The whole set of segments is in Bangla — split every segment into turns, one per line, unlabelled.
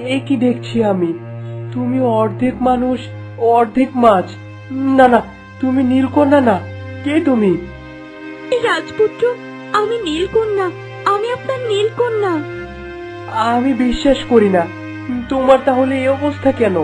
এ কি দেখছি আমি? তুমি অর্ধেক মানুষ অর্ধেক মাছ। না না, তুমি নীলকন্যা না। কে তুমি?
রাজপুত্র, আমি নীলকন্যা। আমি আপনার নীলকন্যা।
আমি বিশ্বাস করি না। তোমার তাহলে এই অবস্থা কেন?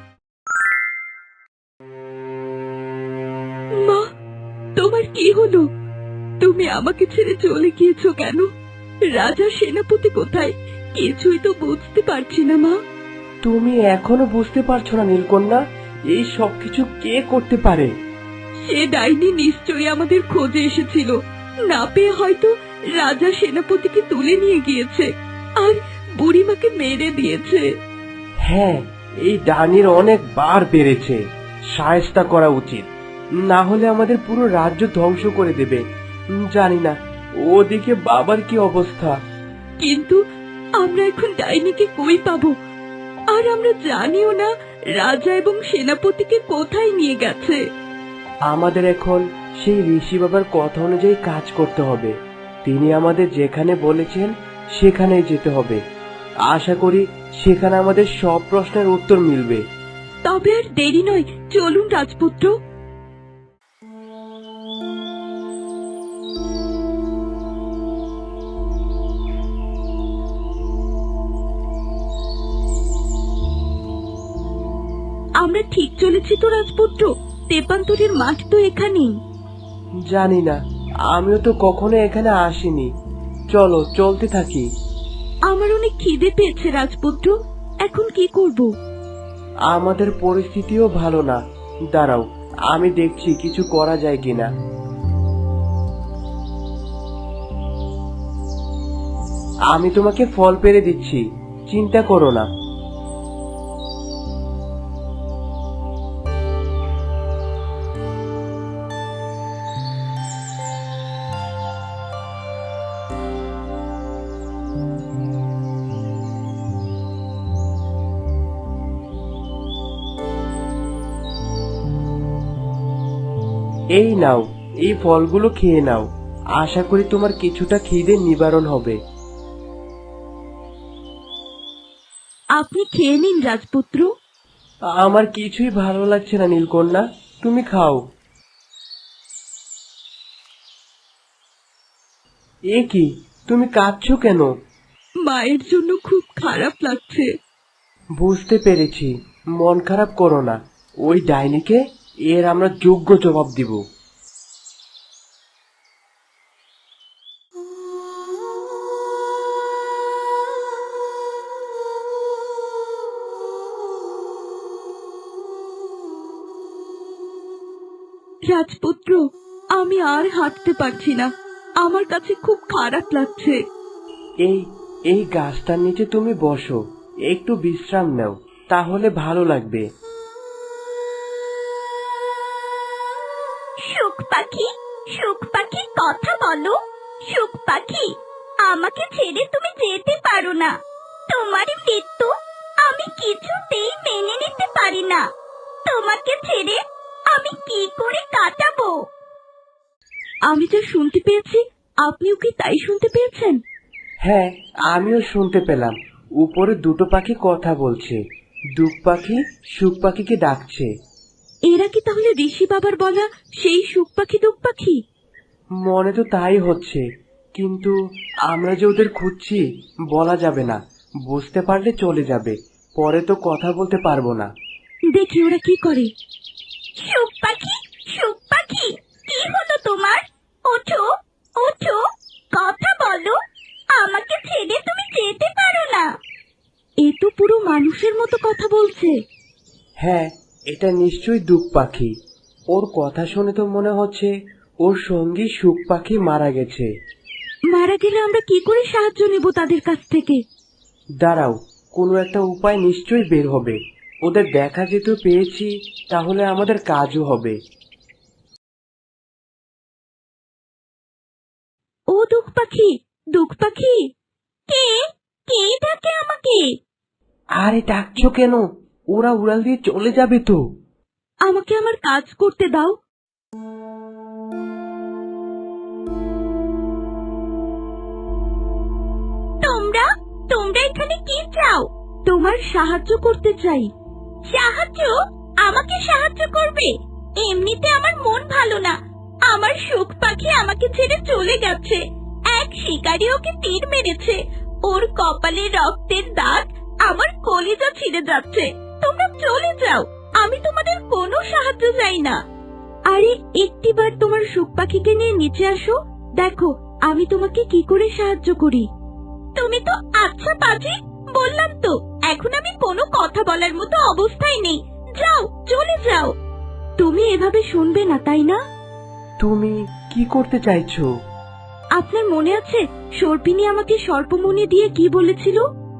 মা, তোমার কি হলো? তুমি আমাকে ছেড়ে চলে গিয়েছো কেন? রাজা সেনাপতি কোথায়? কিছুই তো বুঝতে পারছি না মা।
তুমি এখনো বুঝতে পারছো না নীলকন্যা? এই সবকিছু কে করতে পারে?
সে ডাইনি নিশ্চয়ই আমাদের খোঁজে এসেছিল। না পেয়ে হয়তো রাজা সেনাপতিকে তুলে নিয়ে গিয়েছে আর বুড়িমাকে মেরে দিয়েছে।
হ্যাঁ, এই ডাইনির অনেক বার বেড়েছে। শায়েস্তা করা উচিত, না হলে আমাদের পুরো রাজ্য ধ্বংস করে দেবে। জানি না ওদিকে বাবার কি অবস্থা।
কিন্তু আমরা এখন ডাইনিকে কই পাবো? আর আমরা জানিও না রাজা এবং সেনাপতিকে কোথায় নিয়ে গেছে।
আমাদের এখন সেই ঋষি বাবার কথা অনুযায়ী কাজ করতে হবে। তিনি আমাদের যেখানে বলেছেন সেখানেই যেতে হবে। আশা করি সেখানে আমাদের সব প্রশ্নের উত্তর মিলবে।
তবে আর দেরি নয়, চলুন রাজপুত্র। আমরা ঠিক চলেছি তো রাজপুত্র? তেপান্তরের মাঠ তো এখানেই।
জানি না, আমিও তো কখনো এখানে আসিনি। চলো চলতে থাকি।
আমার অনেক খিদে পেয়েছে রাজপুত্র, এখন কি করব?
আমাদের পরিস্থিতিও ভালো না। দাঁড়াও, আমি দেখছি কিছু করা যায় কিনা। আমি তোমাকে ফল পেড়ে দিচ্ছি, চিন্তা করো না। এই নাও, এই ফলগুলো খেয়ে নাও। আশা করি তোমার কিছুটা খিদে নিবারণ হবে।
আপনি খেয়ে নিন রাজপুত্র।
আমার কিছুই ভালো লাগছে না নীলকন্যা, তুমি খাও। এ কি, তুমি কাঁদছো কেন?
মায়ের জন্য খুব খারাপ লাগছে।
বুঝতে পেরেছি, মন খারাপ করো না। ওই ডাইনিকে এর আমরা যোগ্য জবাব দিব।
রাজপুত্র, আমি আর হাঁটতে পারছি না। আমার কাছে খুব খারাপ লাগছে।
এই এই গাছটার নিচে তুমি বসো, একটু বিশ্রাম নাও, তাহলে ভালো লাগবে।
সুখ পাখি, সুখ পাখি, কথা বলো। সুখ পাখি, আমাকে ছেড়ে তুমি যেতে পারো না। তোমার মৃত্যু আমি কিছুতেই মেনে নিতে পারি না। তোমাকে ছেড়ে আমি কি করে কাটাবো? আমি যা শুনতে পেয়েছি, আপনিও কি তাই শুনতে পেয়েছেন?
হ্যাঁ, আমিও শুনতে পেলাম। উপরে দুটো পাখি কথা বলছে। দুঃখ পাখি সুখ পাখিকে ডাকছে।
এরা কি তাহলে ঋষি বাবার বলা সেই সুখ পাখি দুঃখ পাখি?
মনে তো তাই হচ্ছে, কিন্তু আমরা যে ওদের খুঁজছি বলা যাবে না। বুঝতে পারলে চলে যাবে, পরে তো কথা বলতে পারবো না।
দেখি ওরা কি করে। সুখ পাখি, সুখ পাখি, কি হলো তোমার? ওঠো, ওঠো, কথা বলো। আমাকে ছেড়ে তুমি যেতে পারো না। এ তো পুরো মানুষের মতো কথা বলছে।
হ্যাঁ, এটা নিশ্চয়ই দুঃখ পাখি। ওর কথা শুনে তো মনে হচ্ছে ওর সঙ্গী সুখ পাখি মারা গেছে।
মারা গেলে আমরা কি করে সাহায্য নেব তাদের কাছ থেকে?
দাঁড়াও, কোনো একটা উপায় নিশ্চয়ই বের হবে। ওদের দেখা যেতে পেয়েছি, তাহলে আমাদের কাজও হবে।
ও দুঃখ পাখি, দুঃখ পাখি, কে কে ডাকে আমাকে?
আরে ডাকছো কেন? ওরা উড়াল দিয়ে চলে যাবে তো।
আমাকে আমার কাজ করতে দাও। তোমরা তোমরা এখানে কি চাও? তোমার সাহায্য করতে চাই। সাহায্য? আমাকে সাহায্য করবে? এমনিতে আমার মন ভালো না। আমার সুখ পাখি আমাকে ছেড়ে চলে গেছে। এক শিকারী ওকে তীর মেরেছে। ওর কপালে রক্তের দাগ, আমার কলিজা ছিঁড়ে যাচ্ছে। তোমরা চলে যাও, আমি তোমাদের কোনো সাহায্য চাই না। আরে একটিবার তোমার সুখ পাখিকে নিয়ে নিচে আসো, দেখো আমি তোমাকে কি করে সাহায্য করি। তুমি তো আচ্ছা পাজি, বললাম তো এখন আমি কোনো কথা বলার মতো অবস্থায় নেই। যাও, চলে যাও। তুমি এভাবে শুনবে না, তাই না?
তুমি কি করতে চাইছো?
আপনার মনে আছে সর্পিনী আমাকে সর্পমণি দিয়ে কি বলেছিল?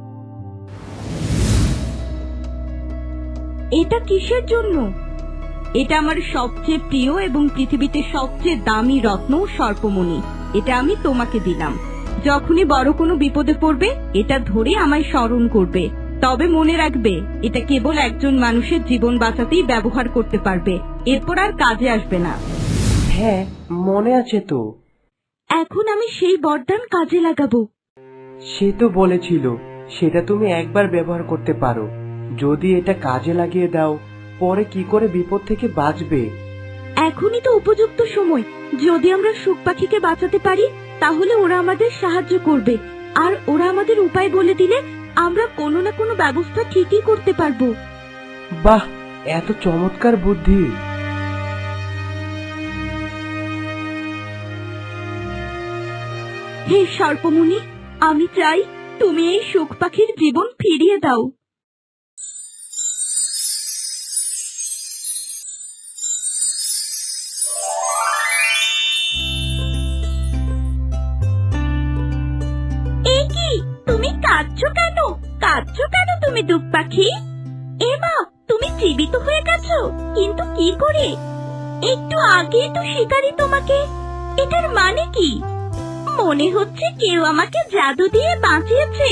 এটা কিসের জন্য? এটা আমার সবচেয়ে প্রিয় এবং পৃথিবীতে সবচেয়ে দামি রত্ন সর্পমণি। এটা আমি তোমাকে দিলাম। যখনই বড় কোনো বিপদে পড়বে এটা ধরে আমায় স্মরণ করবে। তবে মনে রাখবে, এটা কেবল একজন মানুষের জীবন বাঁচাতেই ব্যবহার করতে পারবে, এরপর আর কাজে আসবে না।
হ্যাঁ, মনে আছে তো।
এখন আমি সেই বরদান কাজে লাগাবো।
সে তো বলেছিল সেটা তুমি একবার ব্যবহার করতে পারো। যদি এটা কাজে লাগিয়ে দাও, পরে কি করে বিপদ থেকে বাঁচবে?
এখনই তো উপযুক্ত সময়। যদি আমরা সুখ পাখিকে বাঁচাতে পারি তাহলে ওরা আমাদের সাহায্য করবে, আর ওরা আমাদের উপায় বলে দিলে আমরা কোনো না কোনো ব্যবস্থা ঠিকই করতে পারবো।
বাহ, এত চমৎকার বুদ্ধি!
হে সর্পমুনি, আমি চাই তুমি এই সুখ পাখির জীবন ফিরিয়ে দাও। তুমি কাঁদছো কেন? কাঁদছো কেন তুমি দুঃখ পাখি? এমা, তুমি জীবিত হয়ে গেছো, কিন্তু কি করে? একটু আগে তো শিকারী তোমাকে। এটার মানে কি? মনে হচ্ছে কেউ আমাকে জাদু দিয়ে বাঁচিয়েছে।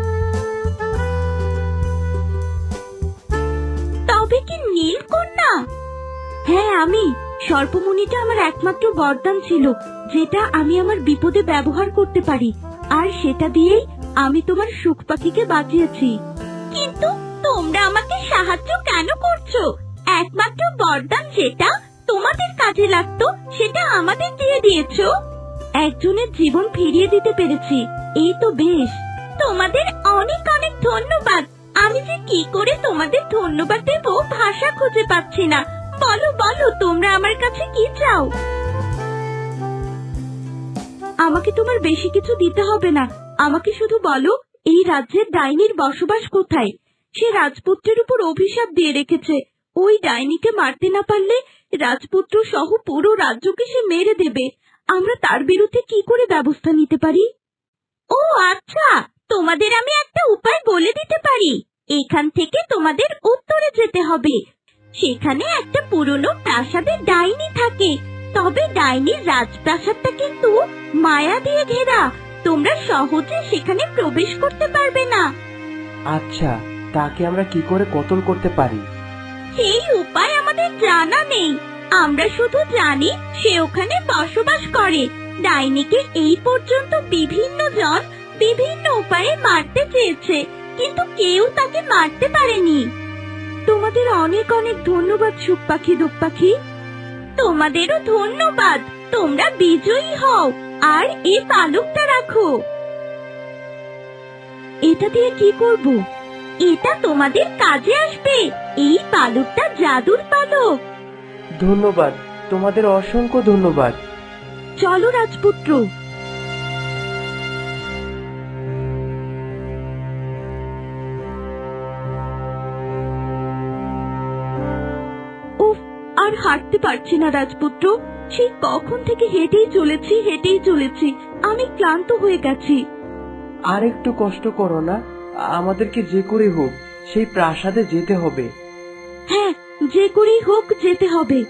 তবে কি নীলকন্যা? হ্যাঁ আমি। সর্পমুনিটা আমার একমাত্র বরদান ছিল, যেটা আমি আমার বিপদে ব্যবহার করতে পারি, আর সেটা দিয়েই আমি তোমার সুখ পাখিকে বাঁচিয়েছি। কিন্তু তোমরা আমাকে সাহায্য কেন করছো? একমাত্র বরদান যেটা তোমাদের কাজে লাগতো সেটা আমাদের দিয়ে দিয়েছো। একজনের জীবন ফিরিয়ে দিতে পেরেছি, এই তো বেশ। তোমাদের অনেক অনেক ধন্যবাদ। আমি যে কি করে তোমাদের ধন্যবাদ দেব ভাষা খুঁজে পাচ্ছি না। বলো বলো, তোমরা আমার কাছে কি চাও? আমাকে তোমার বেশি কিছু দিতে হবে না। আমাকে শুধু বলো, এই রাজ্যের ডাইনির বসবাস কোথায়? সে রাজপুত্রের উপর অভিশাপ দিয়ে রেখেছে। ওই ডাইনিকে মারতে না পারলে রাজপুত্র সহ পুরো রাজ্যকে সে মেরে দেবে। আমরা তার বিরুদ্ধে কি করে ব্যবস্থা নিতে পারি? ও আচ্ছা, তোমাদের আমি একটা উপায় বলে দিতে পারি। এখান থেকে তোমাদের উত্তরে যেতে হবে। সেখানে একটা পুরনো প্রাসাদে ডাইনি থাকে। তবে ডাইনির রাজপ্রাসাদটা কিন্তু মায়া দিয়ে ঘেরা। তোমরা সহজে সেখানে প্রবেশ করতে পারবে না।
আচ্ছা, তাকে আমরা কি করে কতল করতে পারি?
সেই উপায় আমাদের জানা নেই। আমরা শুধু জানি সে ওখানে বসবাস করে। ডাইনিকে এই পর্যন্ত বিভিন্ন জন বিভিন্ন উপায়ে মারতে চেয়েছে, কিন্তু কেউ তাকে মারতে পারেনি। তোমাদের অনেক অনেক ধন্যবাদ সুখ পাখি দুঃখ পাখি। তোমাদেরও ধন্যবাদ। তোমরা বিজয়ী হও, আর এই পালকটা রাখো। এটা দিয়ে কি করব? এটা তোমাদের কাজে আসবে। এই পালকটা জাদুর পালক।
ধন্যবাদ, তোমাদের অসংখ্য ধন্যবাদ।
চলো রাজপুত্র। উফ, আর হাঁটতে পারছি না রাজপুত্র। সেই কখন থেকে হেঁটেই চলেছি। আমি ক্লান্ত হয়ে গেছি।
আর একটু কষ্ট করো না, আমাদেরকে যে করে হোক সেই প্রাসাদে যেতে হবে।
হ্যাঁ, যে করেই হোক যেতে হবে।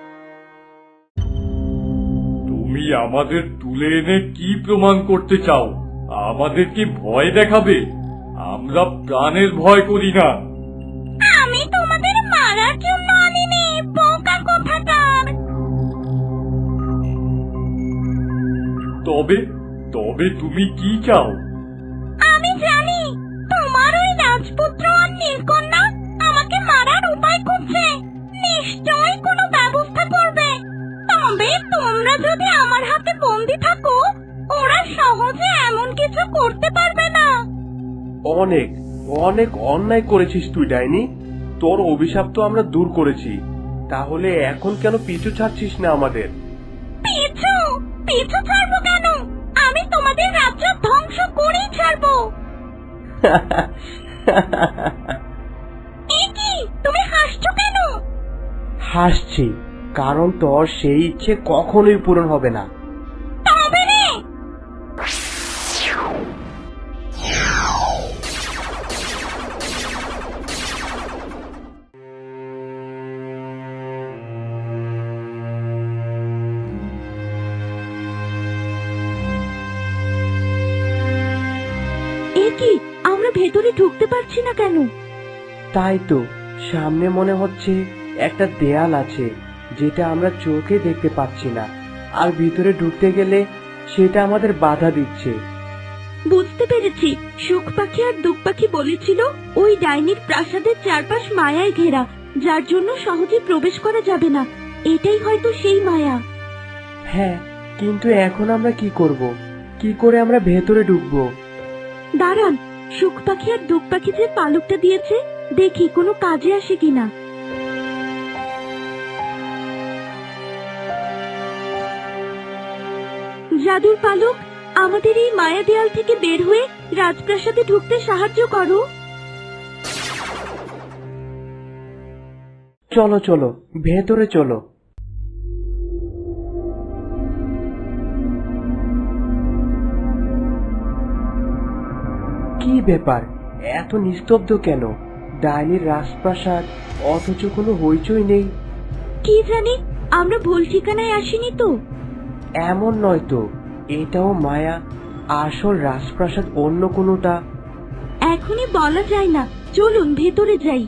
তুমি আমাদের তুলে এনে কি প্রমাণ করতে চাও? আমাদেরকে ভয় দেখাবে? আমরা প্রাণের ভয় করি না।
আমি তোমাদের মারার জন্য আনিনি, বোকা কোথাকার।
তবে তবে তুমি কি চাও?
আমি জানি তোমার ওই রাজপুত্র তোমরা যদি আমার হাতে বন্দি থাকো, ওরা সহজে এমন কিছু করতে পারবে না।
অনেক অনেক অন্যায় করেছিস তুই ডাইনি। তোর অভিশাপ তো আমরা দূর করেছি, তাহলে এখন কেন পিছু ছাড়ছিস না আমাদের?
পিছু পিছু ছাড়বো কেন? আমি তোমাদের রাজ্য ধ্বংস করেই ছাড়বো। এ কি, তুমি হাসছো কেন?
হাসছি কারণ তোর সেই ইচ্ছে কখনোই পূরণ হবে না।
তবে রে। এ কি, আমরা ভেতরে ঢুকতে পারছি না কেন?
তাই তো, সামনে মনে হচ্ছে একটা দেয়াল আছে যেটা আমরা চোখে দেখতে পাচ্ছি না, আর ভিতরে ঢুকতে গেলে সেটা আমাদের বাধা দিচ্ছে।
বুঝতে পেরেছি, সুখ পাখি আর দুঃখ পাখি বলেছিল ওই ডাইনির প্রাসাদের চারপাশ মায়ায় ঘেরা, যার জন্য সহজে প্রবেশ করা যাবে না। এটাই হয়তো সেই মায়া।
হ্যাঁ, কিন্তু এখন আমরা কি করব? কি করে আমরা ভেতরে ঢুকবো?
দাঁড়ান, সুখ পাখি আর দুঃখ পাখি যে পালকটা দিয়েছে, দেখি কোনো কাজে আসে কিনা। জাদুর পালক, আমাদের এই মায়া দেয়াল থেকে বের হয়ে রাজপ্রাসাদে ঢুকতে সাহায্য করো।
চলো চলো, ভেতরে চলো। কি ব্যাপার, এত নিস্তব্ধ কেন? ডাইনির রাজপ্রাসাদ, অথচ কোনো হইচই নেই।
কি জানি, আমরা ভুল ঠিকানায় আসিনি তো?
এমন নয় তো, এটাও মায়া, আসল রাজপ্রাসাদ অন্য কোনোটা।
এখনই বলা যায় না, চলুন ভেতরে যাই।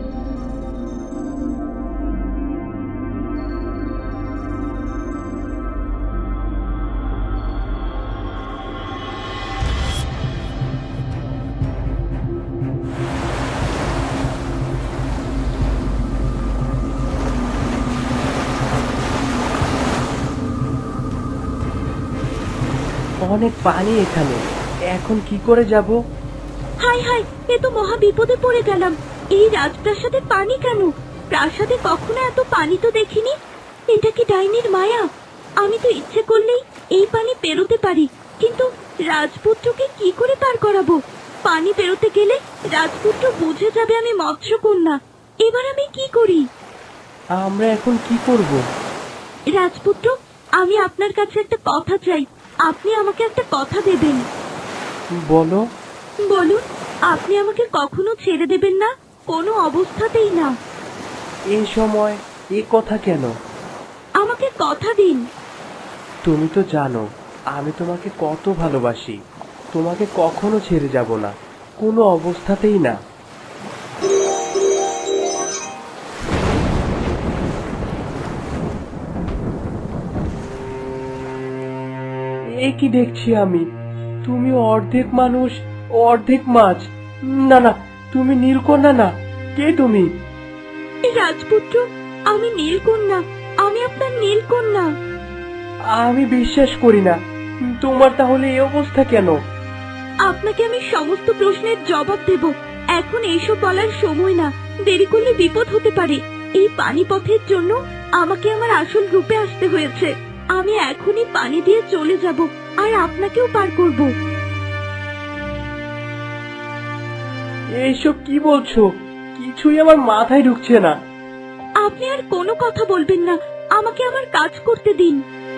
অনেক পানি এখানে, এখন কি করে যাব?
হাই হাই, এ তো মহা বিপদে পড়ে গেলাম। এই রাজপ্রাসাদে পানি কেন? প্রাসাদে কখনো এত পানি তো দেখিনি। এটা কি ডাইনির মায়া? আমি তো ইচ্ছে করলেই এই পানি পেরোতে পারি, কিন্তু রাজপুত্রকে কি করে পার করাবো? পানি পেরোতে গেলে রাজপুত্র বুঝে যাবে আমি মৎস্যকন্যা। এবার আমি কি করি?
আমরা এখন কি করব?
রাজপুত্র, আমি আপনার কাছে একটা কথা চাই। আপনি আমাকে একটা কথা দেবেন।
বলো।
বলুন, আপনি আমাকে কখনো ছেড়ে দেবেন না, কোনো অবস্থাতেই না।
এই সময় এ কথা কেন?
আমাকে কথা দিন।
তুমি তো জানো আমি তোমাকে কত ভালোবাসি। তোমাকে কখনো ছেড়ে যাব না, কোনো অবস্থাতেই না। এ কি দেখছি আমি? তুমি অর্ধেক মানুষ অর্ধেক মাছ। না না, তুমি নীলকন্যা না। কে তুমি?
রাজপুত্র, আমি নীলকন্যা। আমি আপনার নীলকন্যা।
আমি বিশ্বাস করি না। তোমার তাহলে এই অবস্থা কেন?
আপনাকে আমি সমস্ত প্রশ্নের জবাব দেব। এখন এইসব বলার সময় না, দেরি করলে বিপদ হতে পারে। এই পানিপথের জন্য আমাকে আমার আসল রূপে আসতে হয়েছে। আমি এখনই পানি দিয়ে চলে যাব, আর আপনাকেও পার করব।
এইসব কি বলছো? কিছুই আমার মাথায় ঢুকছে না।
আপনি আর কোনো কথা বলবেন না, আমাকে আমার কাজ করতে দিন।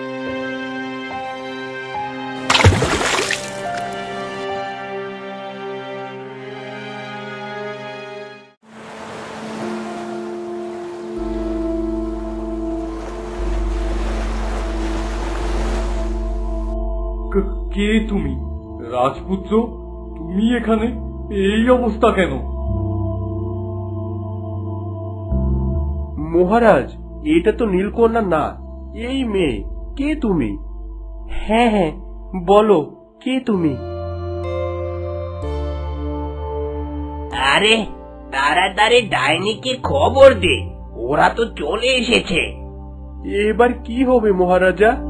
কে তুমি? রাজপুত্র, তুমি এখানে? এই অবস্থা কেন?
মহারাজ, এটা তো নীলকন্যা না, এই মেয়ে। কে তুমি? হ্যাঁ হ্যাঁ, বলো, কে তুমি?
আরে তাড়াতাড়ি ডাইনিকে খবর দে, ওরা তো চলে এসেছে।
এবার কি হবে মহারাজা?